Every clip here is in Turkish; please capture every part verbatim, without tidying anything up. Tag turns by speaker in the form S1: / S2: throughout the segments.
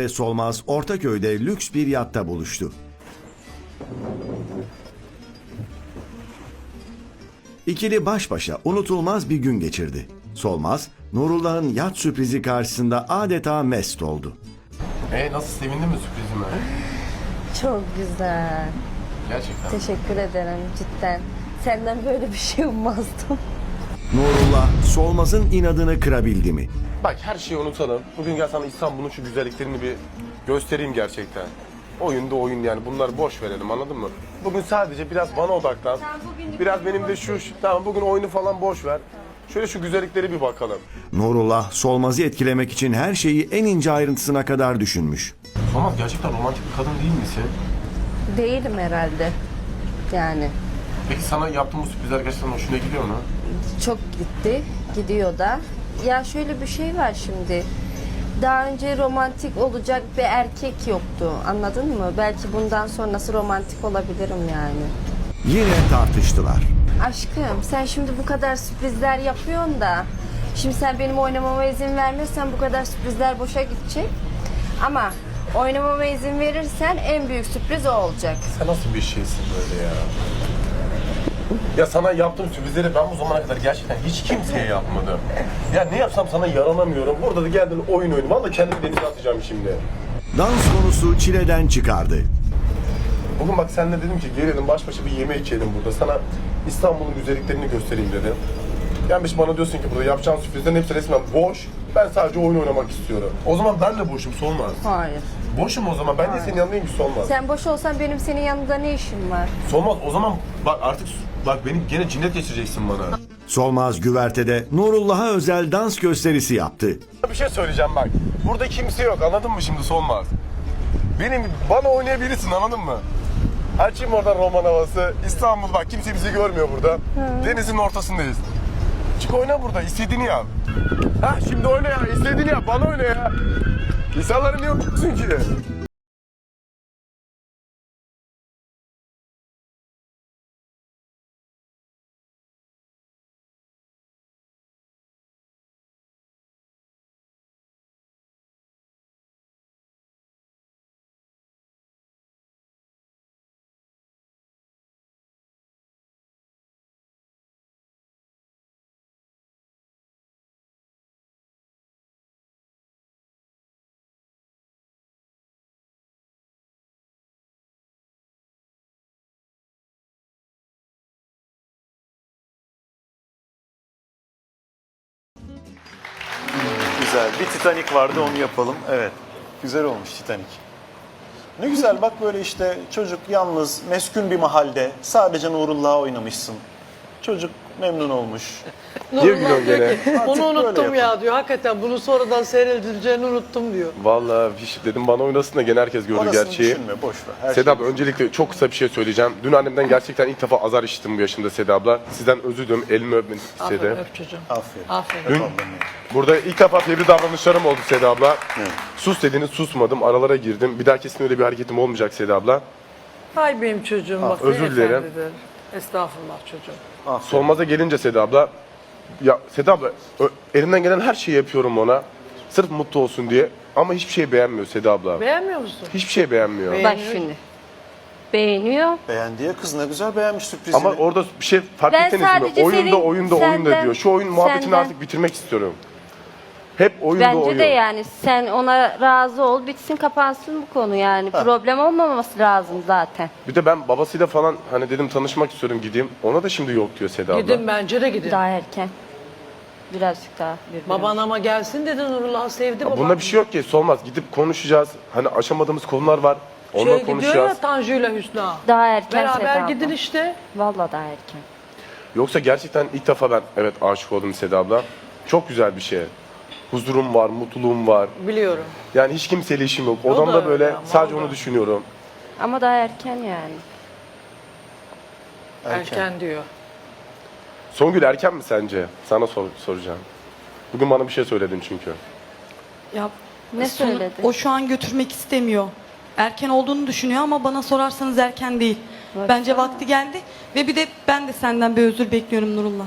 S1: ve Solmaz Ortaköy'de lüks bir yatta buluştu. İkili baş başa unutulmaz bir gün geçirdi. Solmaz, Nurullah'ın yat sürprizi karşısında adeta mest oldu.
S2: E nasıl, sevindin mi sürprizime?
S3: Çok güzel.
S2: Gerçekten.
S3: Teşekkür ederim cidden. Senden böyle bir şey ummazdım.
S1: Nurullah, Solmaz'ın inadını kırabildi mi?
S2: Bak, her şeyi unutalım. Bugün gel sana İstanbul'un şu güzelliklerini bir göstereyim gerçekten. Oyun da oyun yani, bunları boş verelim, anladın mı? Bugün sadece biraz bana odaklan. Biraz benim de şu, şu tamam bugün oyunu falan boş ver. Şöyle şu güzellikleri bir bakalım.
S1: Nurullah, Solmaz'ı etkilemek için her şeyi en ince ayrıntısına kadar düşünmüş.
S2: Solmaz, gerçekten romantik bir kadın değil misin?
S3: Değilim herhalde. Yani
S2: Peki sana yaptığım bu sürprizler gerçekten hoşuna gidiyor mu?
S3: çok gitti, gidiyor da. Ya şöyle bir şey var şimdi. Daha önce romantik olacak bir erkek yoktu. Anladın mı? Belki bundan sonrası romantik olabilirim yani.
S1: Yine tartıştılar.
S3: Aşkım sen şimdi bu kadar sürprizler yapıyorsun da şimdi sen benim oynamama izin vermezsen bu kadar sürprizler boşa gidecek. Ama oynamama izin verirsen en büyük sürpriz o olacak.
S2: Sen nasıl bir şeysin böyle ya? Ya sana yaptığım sürprizleri ben bu zamana kadar gerçekten hiç kimseye yapmadım. Ya ne yapsam sana yaranamıyorum. Burada da geldin oyun oyunu. Vallahi kendimi denize atacağım şimdi.
S1: Dans konusu çileden çıkardı.
S2: Bugün bak seninle dedim ki gelelim baş başa bir yemek yiyelim burada. Sana İstanbul'un güzelliklerini göstereyim dedim. Gelmiş bana diyorsun ki burada yapacağın sürprizlerin hepsi resmen boş. Ben sadece oyun oynamak istiyorum. O zaman ben de boşum, Solmaz.
S3: Hayır.
S2: Boşum o zaman. Ben de senin yanındayım ki, Solmaz.
S3: Sen boş olsan benim senin yanında ne işim var?
S2: Solmaz o zaman bak artık bak beni gene cinnet geçireceksin bana.
S1: Solmaz güvertede Nurullah'a özel dans gösterisi yaptı.
S2: Bir şey söyleyeceğim bak. Burada kimse yok, anladın mı şimdi Solmaz? Benim bana oynayabilirsin, anladın mı? Açayım oradan roman havası. İstanbul bak, kimse bizi görmüyor burada. Hı. Denizin ortasındayız. Çık oyna burada, istediğini yap. Ha şimdi oyna ya, istediğini yap, bana oyna ya. İnsanları niye okuyorsun ki?
S4: Güzel. Bir Titanic vardı, onu yapalım. Evet. Güzel olmuş Titanic. Ne güzel bak, böyle işte çocuk yalnız, meskun bir mahallede sadece Nurullah'a oynamışsın. Çocuk memnun olmuş.
S2: Nurullah diyor ki,
S4: Artık
S5: bunu
S4: böyle
S5: unuttum ya
S4: yapalım.
S5: diyor. Hakikaten bunu sonradan seyredileceğini unuttum diyor.
S2: Vallahi hiç dedim bana oynasın da gene herkes gördü
S4: Orasını
S2: gerçeği.
S4: düşünme, boş ver. Her
S2: Seda
S4: şey-
S2: abla, öncelikle çok kısa bir şey söyleyeceğim. Dün annemden gerçekten ilk defa azar işittim bu yaşımda Seda abla. Sizden özür diliyorum, elimi öpmeni
S5: Aferin,
S2: istedim.
S5: öp çocuğum.
S4: Aferin.
S5: Aferin.
S4: Öp ablanı.
S2: Burada ilk defa fevri davranışlarım oldu Seda abla.
S4: Evet.
S2: Sus dediniz, susmadım, aralara girdim. Bir daha kesin öyle bir hareketim olmayacak Seda abla.
S5: Hay benim çocuğum bak.
S2: özür
S5: ne
S2: dilerim.
S5: efendidir. Estağfurullah çocuğum.
S4: Aferin.
S2: Solmaz'a gelince Seda abla, ya Seda abla ö- elimden gelen her şeyi yapıyorum ona. Sırf mutlu olsun diye. Ama hiçbir şey beğenmiyor Seda abla.
S5: Beğenmiyor musun?
S2: Hiçbir şey beğenmiyor.
S5: Beğen-
S3: Bak şimdi. Beğeniyor.
S4: Beğendi ya kız, ne güzel beğenmiş sürprizini.
S2: Ama orada bir şey fark
S3: Ben
S2: ettiniz mi?
S3: sadece
S2: Oyunda
S3: senin-
S2: oyunda oyunda
S3: senden-
S2: diyor. Şu oyun muhabbetini
S3: senden-
S2: artık bitirmek istiyorum. Hep oyunda
S3: Bence
S2: oyun.
S3: de yani sen ona razı ol, bitsin kapansın bu konu yani. Problem olmaması lazım zaten.
S2: Bir de ben babasıyla falan hani dedim tanışmak istiyorum, gideyim. Ona da şimdi yok diyor Seda abla.
S5: Gidin, bence de gidin.
S3: Daha erken. Birazcık daha. bir
S5: Baban
S3: biraz.
S5: ama gelsin dedi, Nurullah'ı sevdi
S2: Ya
S5: baban.
S2: bunda bir şey yok ki, Solmaz. Gidip konuşacağız. Hani aşamadığımız konular var. Onunla
S5: Şey gidiyor
S2: konuşacağız.
S5: ya Tanju ile Hüsna.
S3: Daha erken
S5: Beraber
S3: Seda abla.
S5: gidin işte.
S3: Vallahi daha erken.
S2: Yoksa gerçekten ilk defa ben evet aşık oldum Seda abla. Çok güzel bir şey. Huzurum var, mutluluğum var.
S5: Biliyorum.
S2: Yani hiç kimseyle işim yok.
S5: O da
S2: Odamda
S5: öyle
S2: böyle
S5: ama,
S2: sadece
S5: o da.
S2: onu düşünüyorum.
S3: Ama daha erken yani.
S5: Erken, diyor.
S2: Songül erken mi sence? Sana sor- soracağım. Bugün bana bir şey söyledin çünkü.
S6: Ya
S3: Ne
S6: sonu-
S3: söyledi?
S6: O şu an götürmek istemiyor. Erken olduğunu düşünüyor ama bana sorarsanız erken değil.
S3: Baksana.
S6: Bence vakti geldi ve bir de ben de senden bir özür bekliyorum Nurullah.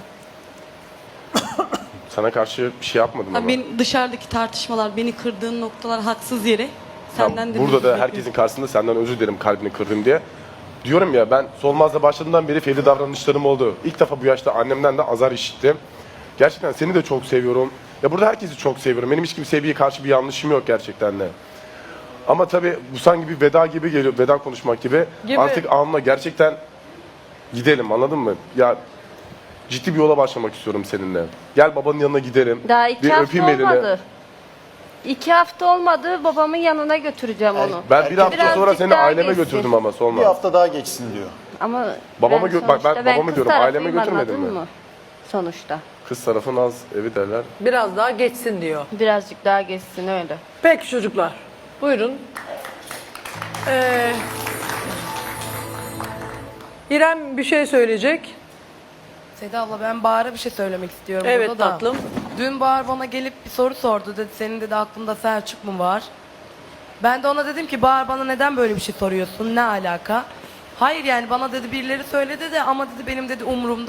S2: Sana karşı bir şey yapmadım
S6: Ha,
S2: ama.
S6: benim dışarıdaki tartışmalar, beni kırdığın noktalar haksız yere. Senden de
S2: burada
S6: bir
S2: da
S6: bekliyorum.
S2: herkesin karşısında senden özür dilerim kalbini kırdım diye. Diyorum ya ben Solmaz'la başladığımdan beri fevri davranışlarım oldu. İlk defa bu yaşta annemden de azar işittim. Gerçekten seni de çok seviyorum. Ya burada herkesi çok seviyorum. Benim hiç kimseye karşı bir yanlışım yok gerçekten de. Ama tabii bu sanki bir veda gibi geliyor, veda konuşmak gibi.
S5: Gibi.
S2: Artık anla gerçekten gidelim, anladın mı? Ya ciddi bir yola başlamak istiyorum seninle. Gel babanın yanına gidelim.
S3: Daha iki
S2: bir
S3: hafta
S2: öpeyim elini.
S3: olmadı. İki hafta olmadı, babamın yanına götüreceğim onu.
S2: Ben bir hafta
S3: Birazcık
S2: sonra seni
S3: daha
S2: aileme
S3: geçsin.
S2: götürdüm ama
S4: Bir
S2: Solmaz.
S4: hafta daha geçsin diyor.
S3: Ama
S2: Babama
S3: ben
S2: gö- bak ben
S3: sonuçta
S2: babama
S3: kız
S2: diyorum, aileme
S3: tarafıyım,
S2: götürmedin
S3: anladın
S2: mi?
S3: mı? Sonuçta.
S2: Kız tarafı naz evi derler.
S5: Biraz daha geçsin diyor.
S3: Birazcık daha geçsin öyle.
S5: Peki çocuklar. Buyurun. Ee, İrem bir şey söyleyecek.
S7: Seda abla ben Bahar'a bir şey söylemek istiyorum
S5: Evet
S7: burada da.
S5: tatlım.
S7: Dün Bahar bana gelip bir soru sordu. Dedi senin dedi aklında Selçuk mu var? Ben de ona dedim ki Bahar bana neden böyle bir şey soruyorsun? Ne alaka? Hayır yani bana dedi birileri söyledi de ama dedi benim dedi umurumda